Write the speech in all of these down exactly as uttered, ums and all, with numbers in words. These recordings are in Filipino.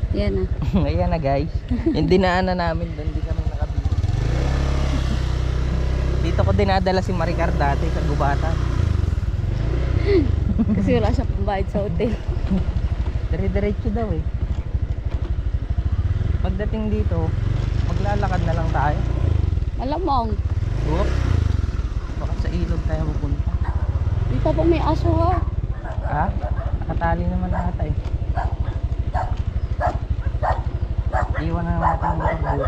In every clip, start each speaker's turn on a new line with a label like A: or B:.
A: Yan na.
B: Ayan na guys. Yung dinaanan namin doon, di kami nakabili. Dito ko dinadala si Maricar dati sa Gubatan.
A: Kasi wala siya pambayad sa hotel.
B: Dire-diretso daw eh. Pagdating dito, maglalakad na lang tayo.
A: Malamang.
B: Whoop. Baka sa ilog tayo pupunta.
A: Dito po may aso ha.
B: Ha? Nakatali naman ata eh. Iwan na naman natin yung motor dito.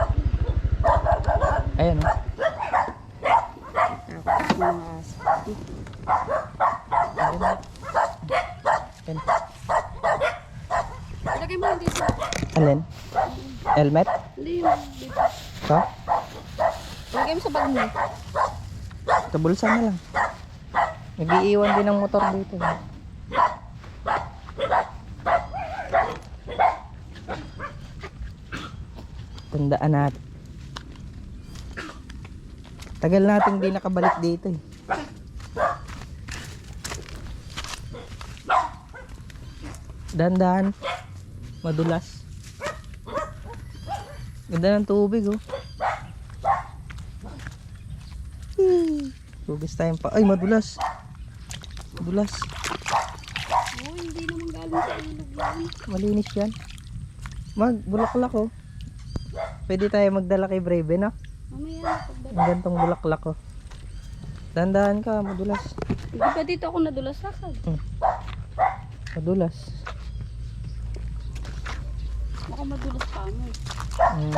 B: Ayan o.
A: Mga aso.
B: Ayan.
A: Ilagay mo lang dito.
B: Alin? Helmet?
A: Hindi yung dito.
B: Ito?
A: Ilagay mo sa bag mo.
B: Sa bulsa na lang. Nag-iiwan din ng motor dito. Tandaan natin. Tagal nating di nakabalik dito eh. Dandan. Madulas. Ganda ng tubig oh. Tugis tayong pa. Ay madulas. Madulas.
A: Oh, hindi naman galing sa ilog yan.
B: Malinis yan. Mag bulaklak oh. Pwede tayo magdala kay Brave no?
A: Mamaya na pagdala.
B: Ang gantong bulaklak oh. Dandahan ka, madulas.
A: Hindi pa dito ako nadulas sakad.
B: Hmm. Madulas.
A: Baka madulas pa mo.
B: Hmm.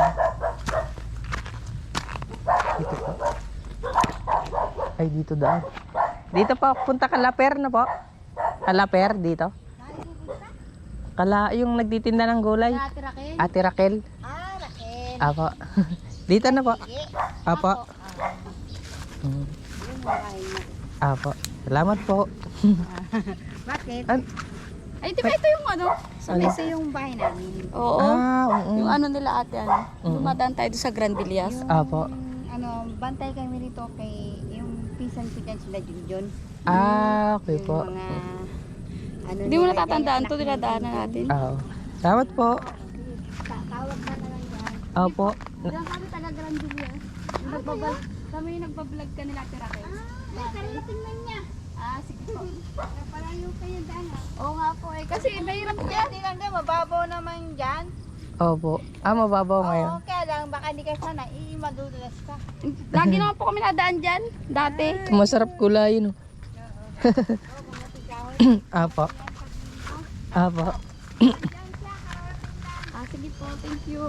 B: Dito pa. Ay dito daan. Dito pa, punta Kalaper na po. Kalaper dito. Kala yung nagtitinda ng gulay.
A: Ate Raquel?
B: Ate Raquel.
A: Ah, Raquel.
B: Apo. Dito na po. Apo. Hmm.
A: Yung bahay na.
B: Apo. Salamat po.
A: Bakit?
B: An-
A: Ay, di ba ito yung ano? Sa
B: Ano?
A: mesa yung bahay namin. Oo.
B: ah, oo.
A: Yung ano nila ate, ano?
B: Mm.
A: Dumadaan tayo doon sa Grand Villas.
B: Apo.
C: Ano, bantay kami nito kay yung pisan ko dyan sila Junjun.
B: Ah, okay po.
C: Yung mga ano
A: Hindi mo
C: nila
A: natatandaan
C: dyan,
A: to, dinadaanan natin.
B: Oo. Salamat po.
C: ta- Tawag ka na lang dyan.
B: Opo.
C: Diyan kami taga Grand Villas. Yung nagbabal, kami yung nagbablog ka nila Tira Raquel. Ah, kararating man niya.
A: Ah, sige po.
C: Parayo kayo dyan ha.
A: Oo nga po eh. Kasi mahirap yan.
C: Hindi lang dyan, mababaw naman dyan.
B: Opo. Ah, mababaw ngayon.
C: Oo, kaya lang, baka hindi ka sana, iimadudulas ka.
A: Lagi naman po kami nadaan dyan. Dati.
B: Masarap kulayin. Oh. Apo. Apo.
A: Ah, sige po. Thank you.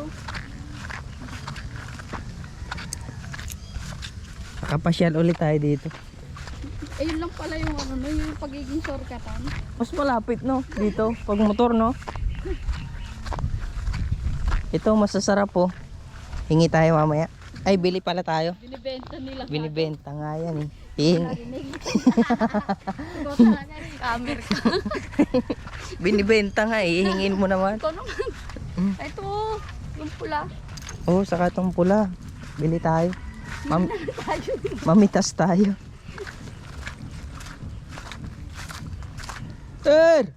B: Nakapasyal ulit tayo dito.
A: Eh, yun lang pala yung ano, no, yung pagiging shortcutan.
B: Mas malapit no, dito. Pag motor no. Ito masasarap po. Hingi tayo mamaya. Ay, bili pala tayo.
A: Binibenta nila.
B: Binibenta nga yan eh. Hihingi.
A: Ikaw talaga rin. Camera ka.
B: Binibenta nga eh. Hingin mo naman.
A: Ikaw naman. Ito, yung pula.
B: Oh, saka itong pula. Bili tayo. Mam mamitas tayo. Sir!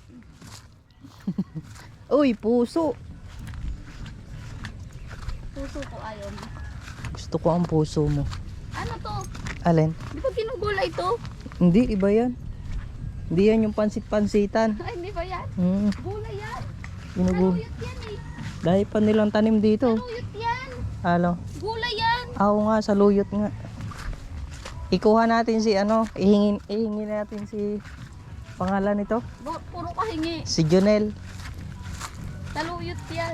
B: Uy, puso.
A: Puso ko ayon.
B: Gusto ko ang puso mo.
A: Ano to?
B: Alin?
A: Di ba ginugulay to?
B: Hindi, iba yan. Hindi yan yung pansit-pansitan.
A: Ay, hindi ba yan?
B: Hmm,
A: Gulay yan.
B: ginugo.
A: Saluyot yan eh.
B: Dahil pa nilang tanim dito.
A: Saluyot yan.
B: Alo.
A: Gulay yan.
B: Oo nga, sa luyot nga. Ikuha natin si ano, ihingin, ihingin natin si pangalan nito.
A: Bu- Puro kahingi.
B: Si Jonel.
A: Saluyot yan.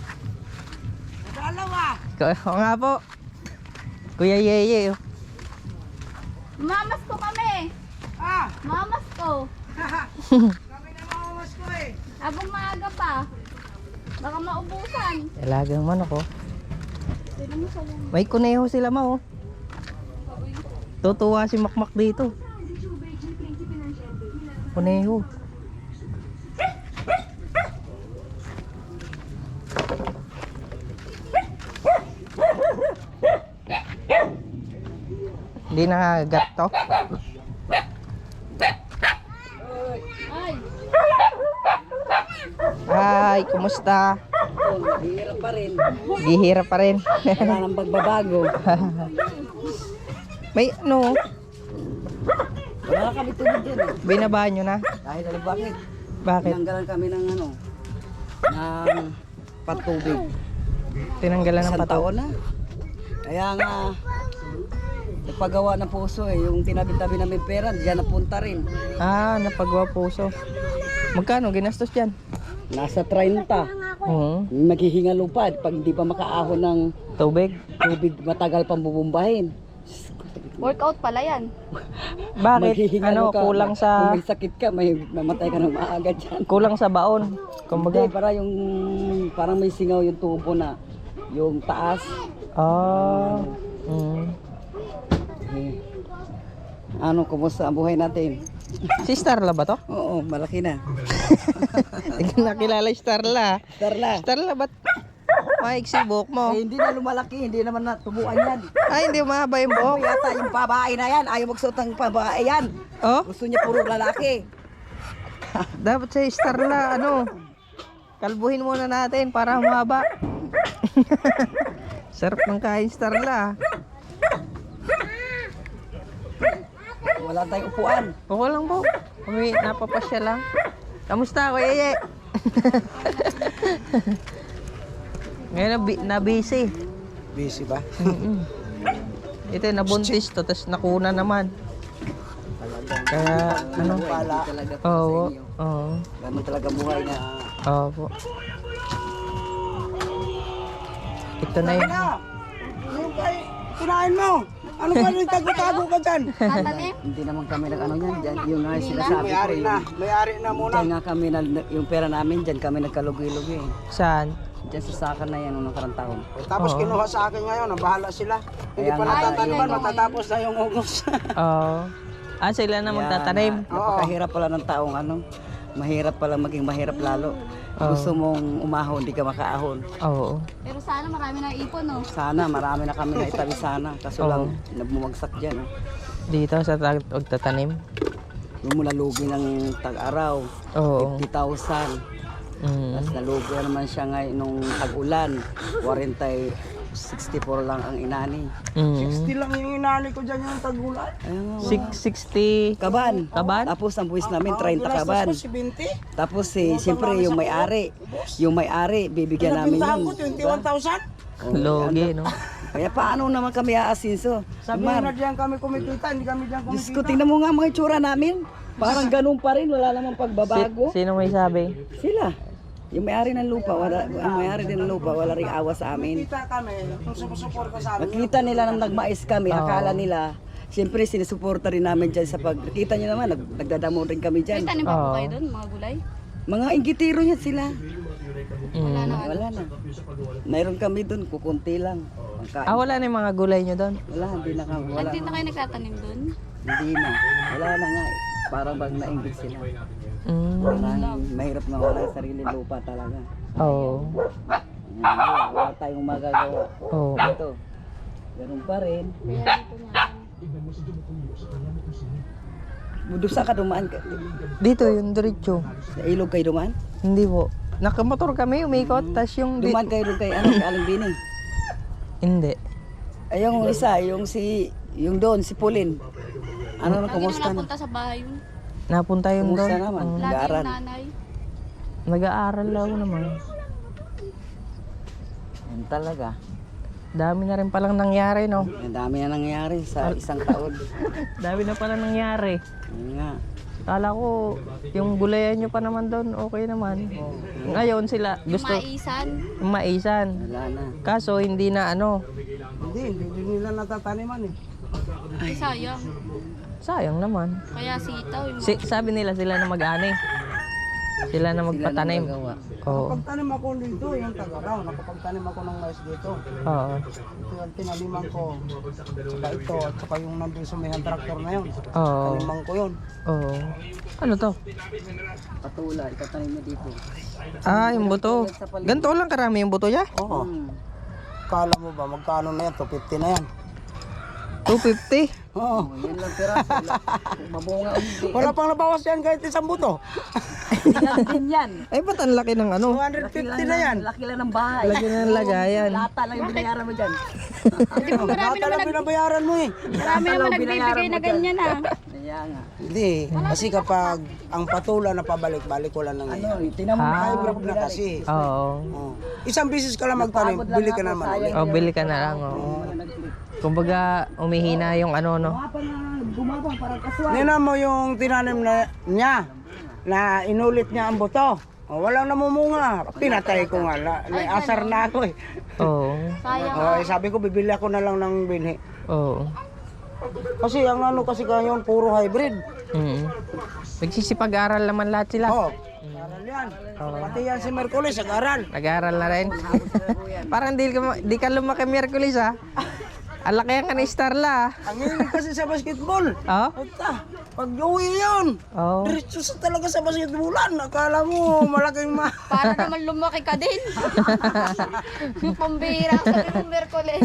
B: Oo nga po. Kuya Yeye. Oh.
A: Mamas ko kami.
C: Ah!
A: Mamas ko.
C: Kami na mamamas ko eh.
A: Abang maaga pa. Baka maubusan.
B: Talagang manok oh.
A: Pwede mo sa lang.
B: May kuneho sila ma oh. Tutuwa si Makmak dito. Kuneho. Hindi nangagat to.
A: Ay.
B: Hi. buhay? Kumusta?
D: Hirap pa rin.
B: Gihirap pa rin.
D: Wala nang pagbabago.
B: May ano,
D: Wala kami tubig dyan eh.
B: binabaan nyo na?
D: Dahil alam bakit?
B: Bakit?
D: Tinanggalan kami ng ano, ng patubig.
B: Tinanggalan ng
D: Isang
B: pataw.
D: taon na. Kaya nga, nagpagawa ng puso eh. Yung tinabi-tabi namin pera, diyan napunta rin.
B: Ah, napagawa puso. Magkano ginastos dyan?
D: Nasa thirty.
B: Oo.
D: Maghihinga lupad pag di pa makaahon ng
B: Tubig?
D: tubig, matagal pang bubumbahin.
A: Workout pala yan.
B: Bakit?
D: Maghihinga
B: Ano,
D: ka.
B: kulang
D: Kung
B: sa
D: may sakit ka, may mamatay ka ng maaga dyan.
B: kulang sa baon.
D: Hindi,
B: Kumbaga.
D: para yung, parang may singaw yung tubo na, yung taas.
B: Ah. Mm.
D: Eh, ano, kumusta ang buhay natin?
B: Si Starla ba to?
D: Oo, malaki na.
B: Hindi ko nakilala si Starla.
D: Darla.
B: Starla, ba't maiksi buhok mo?
D: Eh, hindi na lumalaki, hindi naman natubuan yan.
B: Ay, hindi mahaba yung
D: Oh,
B: buhok.
D: yata yung babae na yan, ayaw magsuot ng babae yan.
B: Oh,
D: Gusto niya puro lalaki.
B: dapat si Starla, ano, kalbuhin muna natin para humaba. Sarap ng kain Starla.
D: Wala tayong upuan.
B: Okay lang po. Kami napapasya lang. Kamusta, Kuya Ye? Ngayon na, bi- na busy.
D: Busy ba?
B: Mm-mm. Ito nabuntis to, tapos nakuna naman. Kaya ano?
D: Wala. Talaga po
B: Oo.
D: sa inyo.
B: Oo.
D: Ganun talaga buhay na.
B: Oo po. Ito na yun.
D: Yung kay, kinain mo. Ano ba yung tago-tago ka dyan?
A: Tatanim.
D: Hindi naman kami nag-ano yan. Dyan, yung nga sinasabi ko. Yung,
E: May-ari na muna.
D: dyan nga kami, na, yung pera namin, dyan kami nagkalugi-lugi.
B: Saan?
D: Dyan sa saka na yan, nung nakarang taon.
E: Tapos
B: Oo.
E: kinuha sa akin ngayon, ang bahala sila. Hindi
D: Kaya
E: pa
D: nga,
E: natataniman,
A: yung-
E: matatapos na yung August.
B: Oo. Ah, sila na magtatanim.
D: Kaya, napakahirap pala ng taong ano. Mahirap pala maging mahirap lalo. Gusto mong umahon, di ka makaahon.
B: Oo.
A: Pero sana marami na ipon, no?
D: Sana, marami na kami na itabi sana. Kaso
B: Oo.
D: lang, nabumagsak dyan. Oh.
B: Dito sa tag- magtatanim.
D: Yung mula lugi ng tag-araw,
B: Oo.
D: fifty thousand.
B: Mm.
D: Tapos nalugi naman siya ngayon nung tag-ulan. forty, sixty-four lang ang inani.
B: Mm.
E: Hindi lang yung inali ko dyan yung tagulan.
D: Ayun nga.
B: six sixty.
D: Kaban.
B: Kaban?
D: Tapos ang buwis namin, thirty kaban.
E: Ginastos ko si Binti.
D: Tapos eh, siyempre yung may-ari. Yung may-ari, bibigyan namin
E: Pintahan
D: yun.
E: ko, twenty-one thousand.
B: Logi, no?
D: Kaya paano naman kami aasinso?
E: Sabi
D: Mar,
E: na diyan kami kumikita, hindi kami diyan
D: Diyos ko,
E: kumikita.
D: tingnan mo nga mga itsura namin. Parang ganun pa rin, wala namang pagbabago.
B: Si- sino may sabi?
D: Sila. Yung may-ari ng lupa, wala, yung may-ari din ng lupa, wala ring awa sa amin.
E: Kita kami, kung sumusuporta sa amin.
D: Nakita nila nang nagmais kami, akala nila, siyempre sinisuporta rin namin dyan sa pag... Nakita nyo naman, nag, nagdadamo rin kami
A: May
D: dyan.
A: tanim pa po
B: Oo.
A: kayo doon, mga gulay?
D: Mga ingitiro yan sila.
A: Wala
B: Mm.
A: na.
D: Wala na. Mayroon kami dun, kukunti lang. Pangkain.
B: Ah, wala na yung mga gulay nyo doon?
D: Wala, hindi na kami. Wala
A: Hindi
D: na.
A: na kayo nagtatanim doon?
D: Hindi na. Wala na nga eh. Parang bang nainggit sila.
B: Mm.
D: Parang mahirap na wala yung sarili lupa talaga.
B: Oo.
D: Wala, wala tayong magagawa.
B: Oo.
D: Ito, ganun pa rin. Budusa ka dumaan ka.
B: Dito yung diretso.
D: Sa ilog kayo dumaan?
B: Hindi po. Nakamotor kami, umikot, tas yung... Di-
D: Dumaan kayo doon kay ano, kay Aling Bini.
B: Hindi.
D: Ay, yung isa, yung si, yung doon, si Pauline. Ano na,
A: Lagi
D: kumusta
A: na
D: na?
A: napunta sa bahay yun.
B: Napunta yung
D: Kumusta
B: doon.
D: naman?
B: Oo.
A: Lagi
D: Nag-aaral.
A: yung nanay.
B: Nag-aaral lang naman.
D: Yan talaga.
B: Dami na rin palang nangyari, no?
D: Ang dami na nangyari sa isang taon.
B: Dami na palang nangyari.
D: Yun nga.
B: Kala ko, yung gulayan nyo pa naman doon, okay naman. Ngayon sila, gusto
A: Maisan.
B: yung maisan.
D: Wala na.
B: Kaso hindi na ano,
E: Hindi, hindi din nila natataniman eh.
A: Ay, sayang.
B: sayang naman.
A: Kaya sitaw yung
B: Si, sabi nila sila na mag-ani. Sila na magpatanim.
D: Sila na magagawa.
B: Oo.
E: Nakapagtanim ako dito, yung tagaraw. Nakapagtanim ako ng mais dito.
B: Oo.
E: Ito yung tinaniman ko. Saka ito, at saka yung nandun sa may tractor na yun.
B: Oo.
E: Taniman ko yun.
B: Oo. Ano to?
D: Patula, itatanim mo dito.
B: Ah, yung buto. Ganito lang karami yung buto niya?
E: Oo.
D: Hmm.
E: Kala mo ba, magkano na yan? two fifty na yan.
B: two fifty.
E: Oo.
D: Oh, yan lang piraso. Wala. Mabunga o hindi.
E: Wala pang nabawas yan kahit isang buto.
D: Yan din yan.
B: Ay, ba't ang laki ng ano?
E: two hundred fifty na yan.
D: Laki lang ng bahay.
B: Lagi na ng lagayan.
D: Lata lang yung binayaran mo dyan.
A: Di ba marami
E: Bata
A: naman,
E: lang
A: nag,
E: binabayaran mo eh.
A: marami naman nagbibigay na ganyan ah.
D: Kaya nga.
E: Hindi. Kasi kapag ang patula na pabalik-balik wala nang
D: Ano, tinan mo
B: Ah.
E: hybrid na kasi.
B: Oo.
E: Oh. Isang bisis ka lang magtanim, bili ka naman ulit.
B: O, bili ka na lang. Oh. Kumbaga, umihina yung ano, no?
D: Apa na gumabang parang kaswa.
E: Nina mo yung tinanim na niya na inulit niya ang buto. O, walang namumunga. Pinatay ko nga. Na, may asar na ako eh.
B: Oo.
E: O, eh, sabi ko, bibili ako na lang ng binhi.
B: Oo.
E: Kasi ang ano kasi ngayon, puro hybrid.
B: Mm. Nagsisipag-aral naman lahat sila.
E: Oo. Aral yan. Pati yan si Merkulis, nag-aral.
B: Nag-aaral na rin. Parang di ka, ma- di ka lumaki Miyerkules, ha? Alaki yan ka ni Starla,
E: Ang hilig kasi sa basketball.
B: ha?
E: Ata, pag uwi yun,
B: Oo.
E: diretso sa talaga sa basketballan. Akala mo, malaking ma...
A: Para naman lumaki ka din. Pambihira sa ng Merkules.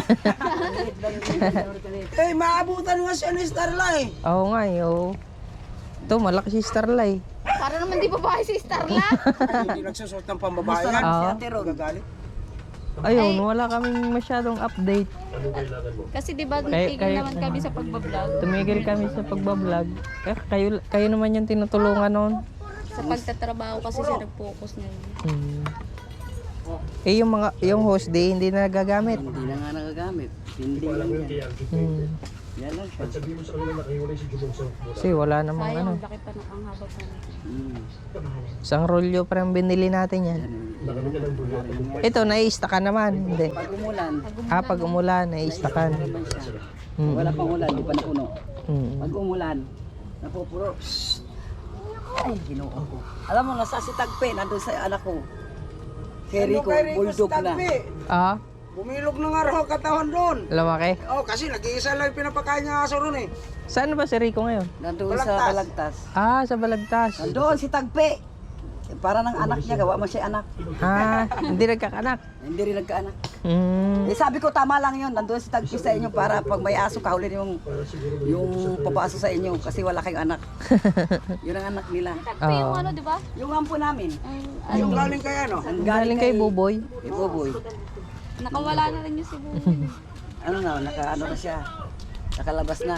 E: Eh, maabutan nga siya ni Starla eh.
B: Oo nga, eh, oo. Ito, malaki si Starla, eh.
A: Para naman di babae si Starla.
E: Hindi nagsusot ng pambabae yan.
B: Oo.
E: Gagalit.
B: Ayun, wala kaming masyadong update.
A: Kasi di ba
B: Kay-
A: tigil
B: kay-
A: naman kami sa pagbablog.
B: Tumigil kami sa pagbablog. Eh, kayo, kayo naman yung tinutulungan noon.
A: Sa pagtatrabaho kasi siya nag-focus ngayon.
B: Hmm. Eh, yung mga, yung host day, hindi na nagagamit.
D: Hindi na nga nagagamit. Hindi lang yan.
B: Hmm.
D: Yan lang siya.
B: Kasi wala namang ano.
A: Sayang, laki pa ng ang haba pa.
D: Hmm.
B: Isang rolyo pa rin binili natin yan. Ito, nai-stackan naman. Hindi.
D: Pag umulan,
B: Ah, pag umulan, nai-stackan.
D: naman siya.
B: Hmm.
D: Wala pang ulan, di pa napuno.
B: Hmm.
D: Pag umulan, napupuro. Shhh. Ay, ginoo ko. Alam mo, nasa si Tagpe, nandun sa anak ko. Kerry ko,
E: Kay Rico
D: bulldog na.
E: Stagpi,
B: Ah,
E: bumilog na nga raw ang katawan doon.
B: lumaki.
E: Oh, kasi nag-iisa lang yung pinapakain niya aso ron eh.
B: Saan ba si Rico ngayon?
D: Nandun
E: Balagtas.
D: sa Balagtas.
B: Ah, sa Balagtas.
D: Nandun si Tagpe. Para ng anak niya, gawa mo siya anak.
B: Ah, hindi nagkakanak.
D: Hindi rin nagkaanak.
B: Hmm.
D: Eh sabi ko tama lang yun, nandun si Tagpi sa inyo para pag may aso kahulin yung yung papaaso sa inyo kasi wala kayong anak. Yun ang anak nila.
A: Tagpo yung ano, di ba?
D: Yung ampo namin.
A: Ang,
E: Yung galing kay ano?
D: Ang
B: Galing kay Buboy.
D: Kay Buboy.
A: nakawala na rin yung si Buboy.
D: Ano na, naka ano na siya. Nakalabas na.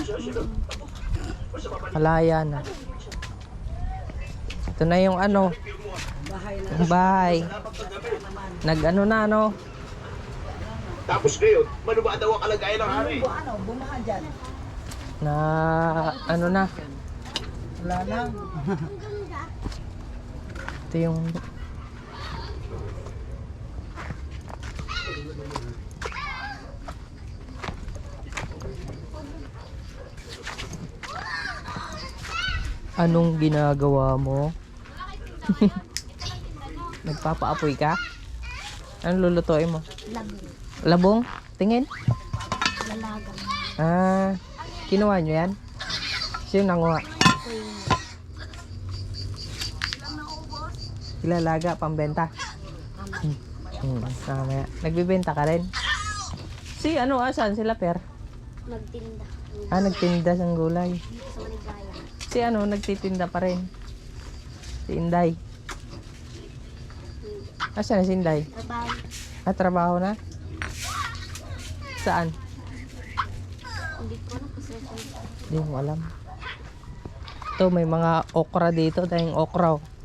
B: Malaya na. Ito na yung ano,
D: Bahay na.
B: yung bahay. Nag-ano na, ano.
F: Tapos ngayon, ano ba daw ang kalagayan ng hari?
D: Ano, bumaha dyan.
B: Na, ano na.
E: Wala na.
B: Ito yung... Anong ginagawa mo? Nagpapaapoy ka? Anong lulutuin mo?
C: Labong.
B: Labong? Tingin?
C: Lalagang.
B: Ah, kinuha nyo yan? Sino nanguha? Ilalaga, pambenta? Hmm. Hmm. Mamaya. Nagbibenta ka rin? Si ano, asan? Sila Per?
C: Magtinda.
B: Ah, nagtinda ng gulay.
C: Sa Maligaya.
B: Si ano, nagtitinda pa rin. Si Inday. Asan na si Inday?
C: Trabaho.
B: Ah, trabaho na? Saan?
C: Hindi ko alam kasi kung
B: Hindi mo alam. Ito, may mga okra dito. Tayong okra. oh.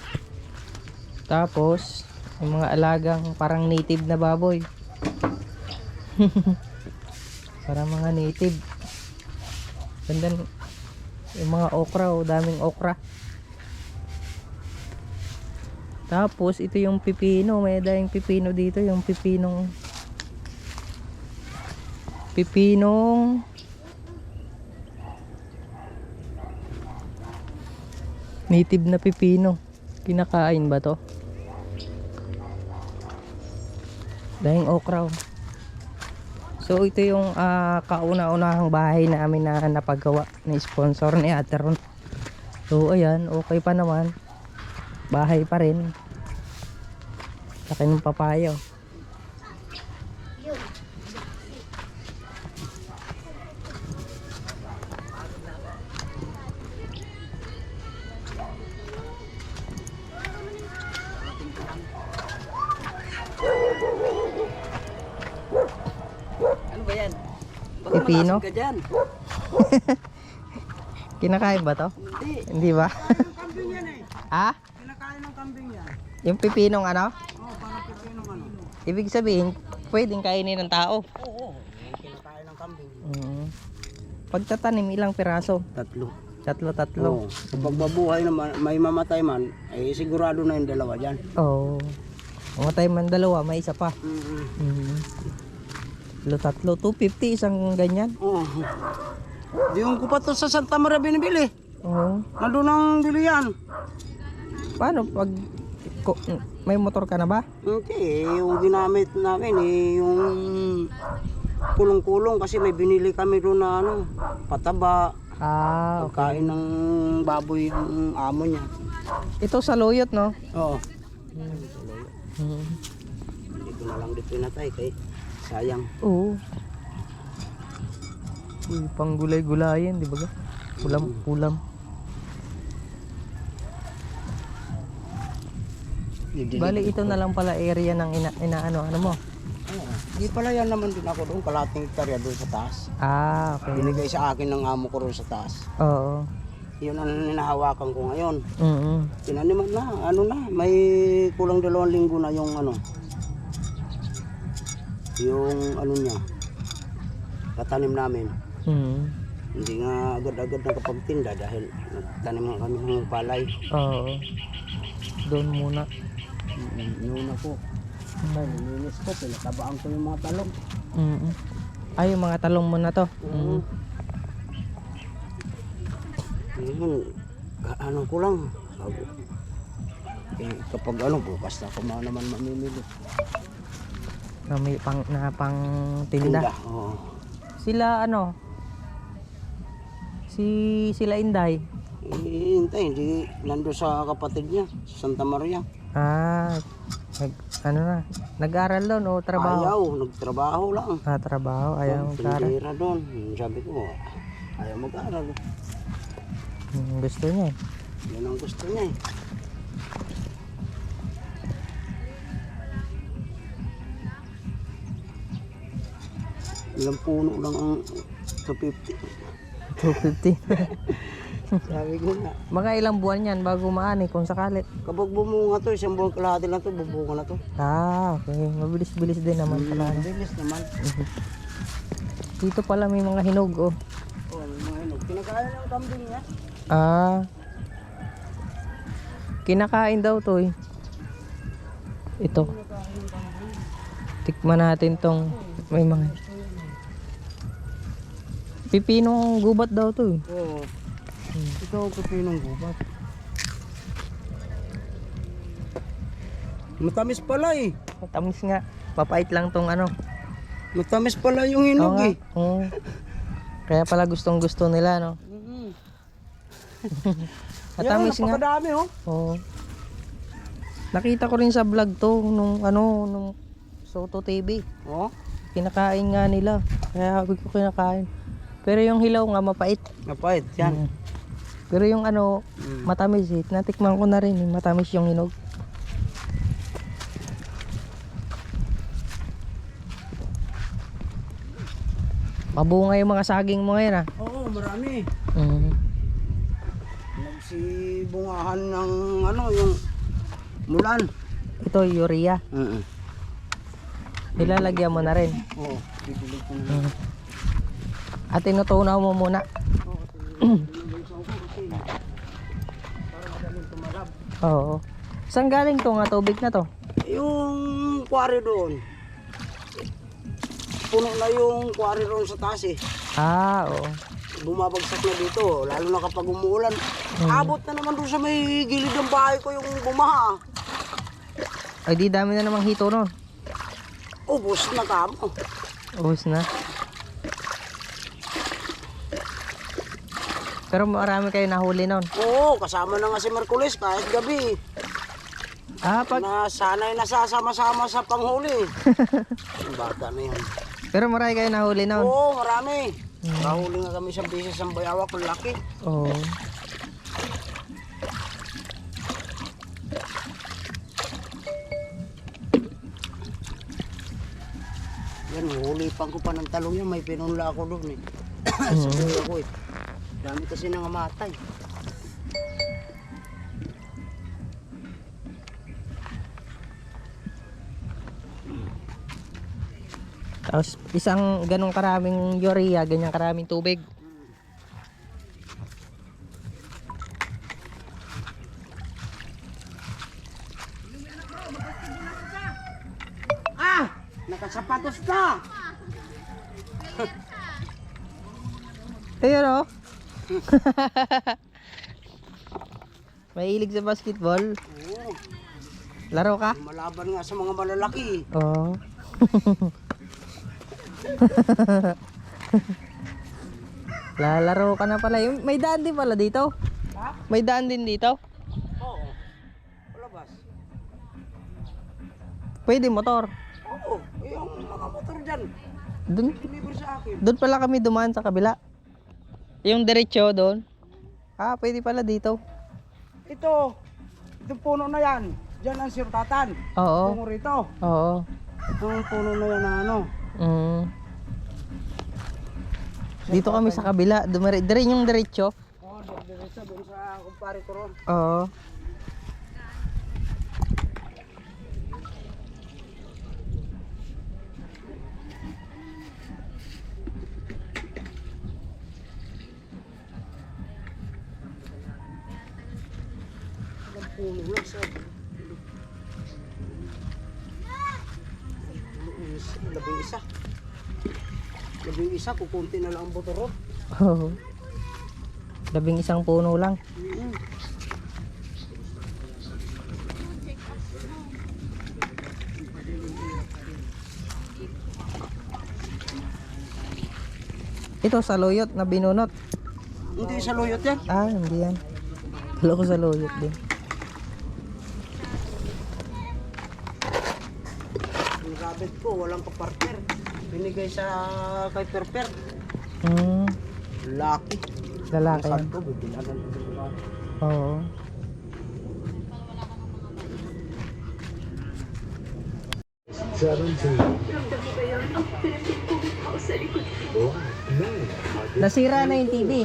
B: Tapos, may mga alagang parang native na baboy. Parang mga native. Ganda n- yung mga okra. Oh, daming okra. Tapos, ito yung pipino. May daing pipino dito. Yung pipinong... Pipinong... Native na pipino. Kinakain ba to? Dahing okra. oh. So ito yung ah, kauna-unahang bahay namin na napagawa ni sponsor ni Ate Ron. So ayan, okay pa naman. Bahay pa rin. Laki ng papayo. Pipino?
D: Malasig ka dyan.
B: Kinakain ba to?
D: Hindi.
B: Hindi ba?
E: Yung kambing yan eh.
B: Ah?
E: Kinakain ng kambing yan.
B: Yung pipinong ano?
E: Oo, parang pipinong ano.
B: Ibig sabihin, pwedeng kainin ng tao.
E: Oo, yung kinakain ng kambing.
B: Mm. Pagtatanim, ilang piraso?
E: Tatlo.
B: Tatlo, tatlo.
E: Oo. Kapag mabuhay naman, may mamatay man, eh sigurado na yung dalawa dyan.
B: Oo. Oh. Mamatay man dalawa, may isa pa.
E: Mm-hmm.
B: Mm. Tatlo, tatlo. two fifty isang ganyan.
E: Oo. Di yung ko pa to sa Santa Maria binibili.
B: Oo.
E: Nandun ang bilihan.
B: Paano pag ko- may motor ka na ba?
E: Hindi, eh, yung ginamit namin eh, yung kulong-kulong kasi may binili kami doon na ano, pataba,
B: Ah, okay.
E: pagkain ng baboy yung amo niya.
B: Ito sa Loyot, no?
E: Oo.
B: Mm.
E: Hindi ko na lang di pinatay kay sayang.
B: Oo. Uy, pang gulay-gulayan, di ba? Ulam-ulam. Bali, ito na lang pala area ng ina, inaano, ano mo?
E: Oo. Di pala yan naman din ako doon, kalating hektarya doon sa taas.
B: Ah, okay.
E: Binigay sa akin ng amo ko doon sa taas.
B: Oo.
E: Yun ang hinahawakan ko ngayon.
B: Mm-mm.
E: Tinaniman na, ano na, may kulang dalawang linggo na yung ano, yung ano niya, katanim namin.
B: Mm.
E: Hindi nga agad-agad nakapagtinda dahil nagtanim nga kami ng palay.
B: Oo. Doon muna.
E: Noon ako, nilinis ko, pinatabaan ko yung mga talong.
B: Mm. Ay, yung mga talong mo na to. Mm.
E: Ngayon, ka- ano ko lang, bago. Eh, kapag ano, bukas na ako ma- naman mamimili.
B: Na may pang, na pang tinda.
E: Oo.
B: Sila ano? Si sila Inday.
E: Eh, hintay, hindi nando sa kapatid niya, sa Santa Maria.
B: Ah, nag, ano na? Nag-aral doon o trabaho?
E: Ayaw, nagtrabaho lang.
B: Ah, trabaho. Ayaw mag-aral.
E: Tindera doon. Sabi ko, ayaw mag-aral.
B: Hmm, gusto niya eh.
E: Yan ang gusto niya eh. Ilang puno lang ang two fifty.
B: two fifty.
E: Sabi ko na,
B: Mga ilang buwan yan bago maani kung sakali.
E: kapag bumunga to, isang buwan kalahati lang to, bubunga na to.
B: Ah, okay. Mabilis-bilis din naman pala.
E: Ang bilis naman.
B: Dito pala may mga hinog oh.
E: Oh, may mga hinog. Kinakain ng kambing niya.
B: Ah. Kinakain daw to eh. Ito. Tikman natin tong may mga pipinong gubat daw to eh.
E: Oo. Ito ang pipinong gubat. Matamis pala eh.
B: Matamis nga. Papait lang tong ano.
E: Matamis pala yung
B: Oo
E: hinog
B: nga.
E: eh.
B: Oo. Kaya pala gustong gusto nila no.
E: Mm-hmm.
B: Matamis nga.
E: Napakadami oh.
B: Oo. Nakita ko rin sa vlog to nung ano nung Soto T V.
E: Oh,
B: Kinakain nga nila. Kaya ako ko kinakain. Pero yung hilaw nga mapait.
E: napait yan.
B: Mm. Pero yung ano
E: Mm.
B: matamis eh. Natikman ko na rin eh. Matamis yung hinog. Mabunga yung mga saging mo ngayon ah.
E: Oo, marami.
B: Mm.
E: Nagsibungahan ng ano, yung mulan.
B: Ito urea.
E: Mm.
B: Nilalagyan mo na rin.
E: Oo, bibili ko na.
B: Mm. At tinutunaw mo muna. Oo. Saan galing to nga tubig na to?
E: Yung quarry doon. Puno na yung quarry doon sa taas eh.
B: Ah, oo.
E: Bumabagsak na dito, lalo na kapag umuulan. Abot na naman doon sa may gilid ng bahay ko yung bumaha.
B: Ay di dami na namang hito nun.
E: Ubus na kamo.
B: Ubus na. Pero marami kayo nahuli nun.
E: Oo, kasama na nga si Merkulis kahit gabi.
B: Ah, pag...
E: Na sana'y nasasama-sama sa panghuli. Yung bata na yun.
B: Pero marami kayo nahuli nun.
E: Oo, marami. Nahuli nga kami sa bisis ng bayawak, ang laki.
B: Oo.
E: Yan, hulipan ko pa ng talong yan. May pinunla ako doon eh. Sa kuya ko eh. Dami kasi nangamatay.
B: Tapos isang ganong karaming urea, ganyang karaming tubig.
E: Ah! Nakasapatos na!
B: Ayun o. Mahilig sa basketball.
E: Oo.
B: Laro ka?
E: Malaban nga sa mga malalaki.
B: Oo. Lalaro ka na pala. Yung- May daan din pala dito.
E: Ha?
B: May daan din dito.
E: Oo. Palabas.
B: Pwede motor.
E: Oo. Yung mga motor dyan.
B: Doon,
E: Deliver sa akin.
B: doon pala kami dumaan sa kabila. Yung diretso doon. Ah, pwede pala dito.
E: Ito. Itong puno na yan. Diyan ang sirtatan.
B: Oo.
E: Tungo rito.
B: Oo.
E: Ang puno na yan na ano.
B: Mm. Dito kami sa kabila. Dumare, dire yung diretso.
E: Oo. Doon sa doon sa kumpare ko ron.
B: Oo.
E: Ang puno lang sa... Labing isa. Labing isa, kukunti na lang ang boto ron.
B: Oo. Labing isang puno lang.
E: Mm.
B: Ito sa loyot na binunot.
E: Hindi sa loyot yan.
B: Ah, hindi yan. Kala ko sa loyot din.
E: Yung rabbit ko, walang kapartner. Binigay sa kay Perper.
B: Hmm,
E: Lucky.
B: lalaki yan.
E: Sabi ko, bibilagan ko sa rabbit.
B: Oo. Nasira na yung T V.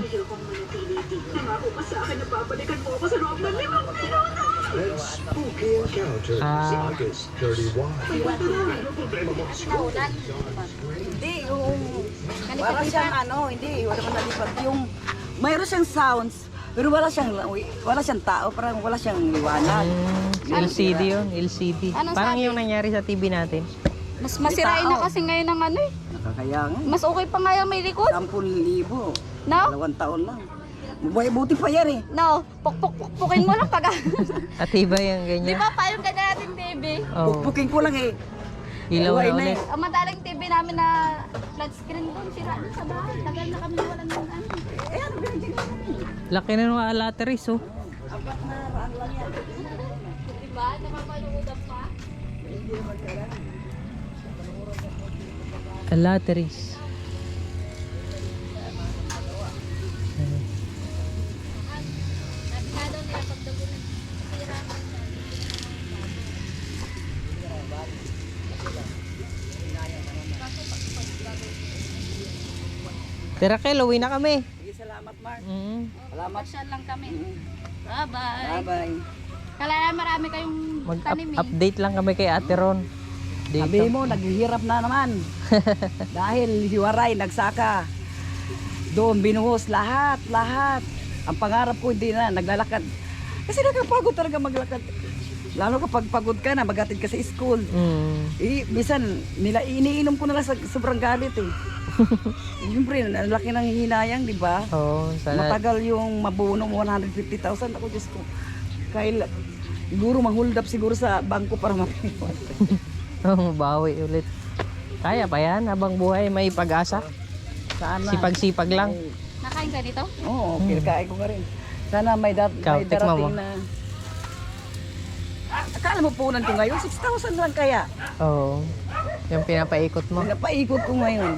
F: Spooky Encounter,
B: Ah.
F: August thirty-first.
D: Hindi, yung... Para siyang ano, hindi, wala man nalipat. Yung... Mayroon siyang sounds, pero wala siyang, wala siyang tao, parang wala siyang liwanag.
B: Hmm, L C D yun, L C D.
A: Anong
B: Parang
A: sabi?
B: yung nangyari sa T V natin.
A: Mas masirain na
D: tao.
A: kasi ngayon ng ano eh.
D: Nakakaya nga.
A: Mas okay pa nga yung may likod.
D: Sampung libo.
A: No?
D: Dalawang taon lang. Buhay buti pa yan eh.
A: No, pukpuk-pukpukin mo lang pag...
B: At iba yung
A: Di
B: ganyan.
A: ba pa yung kanya natin T V?
B: Oo.
D: Pukpukin ko lang eh.
B: Ilaw
D: Buhay
B: na
D: na
B: ulit.
A: Ang madaling T V namin na flat screen doon, sira doon sa bahay. Tagal na kami walang ng ano.
D: Eh ano binigyan ko?
B: Laki na ng alateris oh.
D: Apat na raan lang yan.
A: Diba? Napapanood pa.
B: Alateris.
A: Sabi nga daw nila pag dago na sira.
B: Tira Kel, uwi na kami.
D: Sige, salamat Mark.
B: Mm.
D: Salamat.
A: Pasyal lang kami. Bye-bye.
D: Bye-bye.
A: Kala marami kayong tanim eh.
B: Mag-update lang kami kay Ate Ron. Dito.
D: Sabi mo, naghihirap na naman. Dahil hiwaray, nagsaka. Doon, binuhos, lahat, lahat. Ang pangarap ko, hindi na, naglalakad. Kasi nakapagod talaga maglakad. Lalo kapag pagod ka na, magatid ka sa school.
B: Mm.
D: Eh, bisan, nila, iniinom ko na lang sa sobrang galit eh. Siyempre, ang laki ng hinayang, di ba?
B: Oo, sana.
D: Matagal yung mabuno mo one hundred fifty thousand. Ako, Diyos ko. Kaya, siguro, ma-hold up siguro sa bangko para mapiwan.
B: Oh, bawi ulit. Kaya pa yan, habang buhay may pag-asa.
D: Sana.
B: Sipag-sipag lang.
A: Nakain ka nito?
D: Oo, okay, kain ko nga rin. Sana may, dar-
B: Ikaw,
D: may
B: tikman mo.
D: darating na... Ah, akala mo punan ko ngayon, six thousand lang kaya.
B: Oo. Yung pinapaikot mo.
D: Napaikot ko ngayon.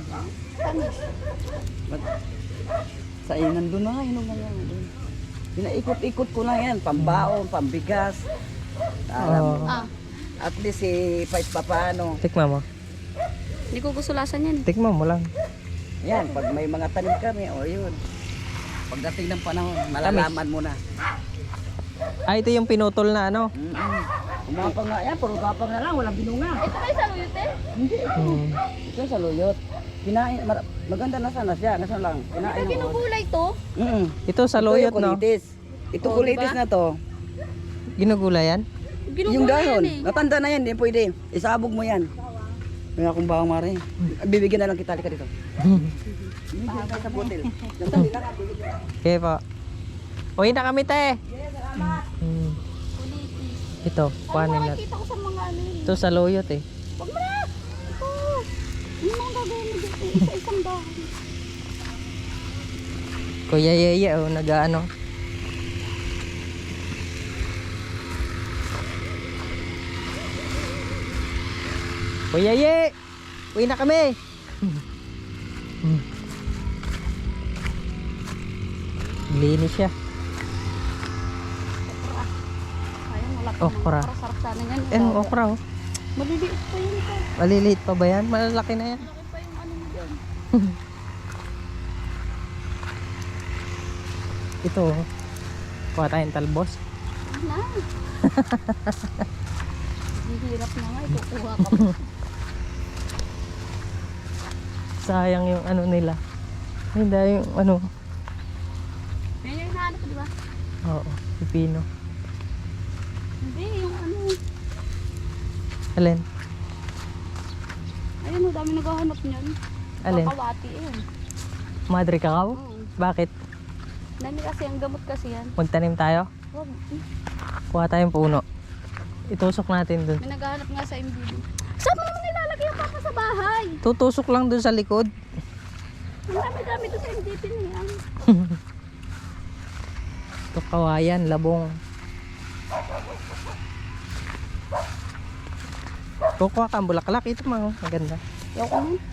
D: But, sa iyo, nandun na nga, yun na nga. Pinaikot-ikot ko na yan, pambaon, pambigas. Alam mo.
B: Oo.
A: Ah.
D: At least, eh, pa paano.
B: Tikman mo.
C: Hindi ko gusto lasan yan.
B: Tikman mo lang.
D: Yan, pag may mga tanim kami, o yun. Pagdating ng panahon, malalaman mo na.
B: Ah, ito yung pinutol na ano.
D: Mm-mm. Umapang nga yan, puro gapang na lang, walang binunga.
A: Ito ba yung saluyot eh?
D: Hindi,
B: Hmm.
D: ito sa luyot. Kinain, mar- maganda na sana siya, nasa lang. Kinain
A: Ito
D: ng
A: ginugulay to.
D: Mm-mm.
B: Ito sa loyot,
D: Ito yung
B: no?
D: kulitis. Ito
A: Oh,
D: kulitis
A: diba?
D: na to.
B: Ginugulay yan?
A: Ginugulay
D: Yung dahon,
A: yan eh.
D: natanda na yan, hindi pwede. Isabog mo yan. May akong bawang mare. Bibigyan na lang kita, halika dito. Bibigyan tayo sa butil. Sandali lang, ah, bibigyan.
B: Okay po. Uwi na kami, te. Hmm. Ito, kuhanin na.
A: Nakikita ko sa mga ano yun.
B: Ito sa loyot eh.
A: Huwag mo na! Ito! Ano ang gagawin mo dito? Isa-isang dahon.
B: Kuya Yeye, oh, nag-ano. Kuya Yeye! Uwi na kami! Hmm. Linis siya.
A: Ayun, wala pa
B: Okra.
A: naman. Sarap sana yan.
B: Eh, ang okra oh.
A: Maliliit pa yun ito.
B: Maliliit pa ba yan? Malalaki na yan.
A: Laki pa yung ano mo dyan.
B: Ito oh. Kuha tayong talbos.
A: Na. Ang hirap na nga. Ikukuha ka pa.
B: Sayang yung ano nila. Hindi yung ano.
A: Yan yung hinahanap ko, di ba?
B: Oo, pipino.
A: Hindi, yung ano.
B: Alin?
A: Ayun, oh, dami naghahanap niyan.
B: Alin?
A: Kakawati yun.
B: Madre kakao?
A: Oo.
B: Bakit?
A: Dami kasi, ang gamot kasi yan.
B: Magtanim tayo?
A: Huwag.
B: Kuha tayong puno. Itusok natin dun.
A: May naghahanap nga sa M B B. Saan mo naman nilalagay ang papa sa bahay?
B: Tutusok lang dun sa likod.
A: Ang dami-dami doon sa M D P na yan.
B: Ito kawayan, labong. Kukuha kang bulaklak. Ito mga maganda.
A: Yaw ko nun.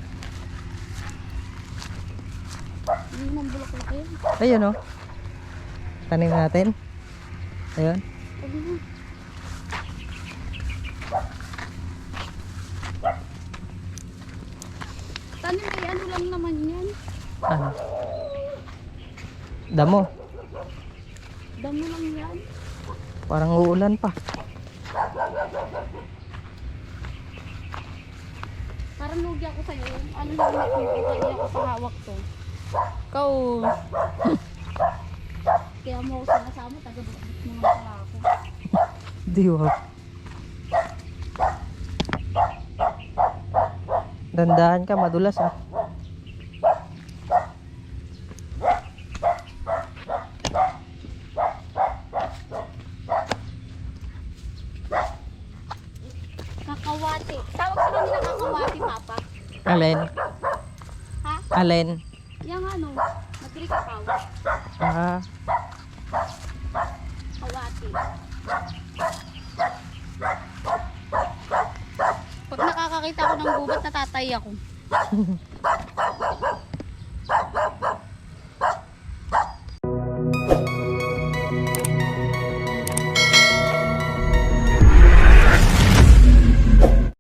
A: Hindi nang bulak-bulak yun.
B: Ayun oh. Tanim natin. Ayun.
A: Huwag mo. Tanim kay ano lang naman yan.
B: Ano? Damo.
A: Damo lang yan.
B: Parang uulan pa.
A: Parang lugi ako sa'yo. Ano lang may kung ako sa hawak to. Ikaw. Kaya mo ako sinasama. Taga-bukbuk mo nga pala ako.
B: Diwag. Dandahan ka, madulas ah.
A: Kakawati. Tawag sila nila kakawati, Papa.
B: Alin?
A: Ha?
B: Alin?
A: Yang ano? Nagkikaw.
B: Ah,
A: Kawati. Pag nakakakita ako ng gubat, natatay ako.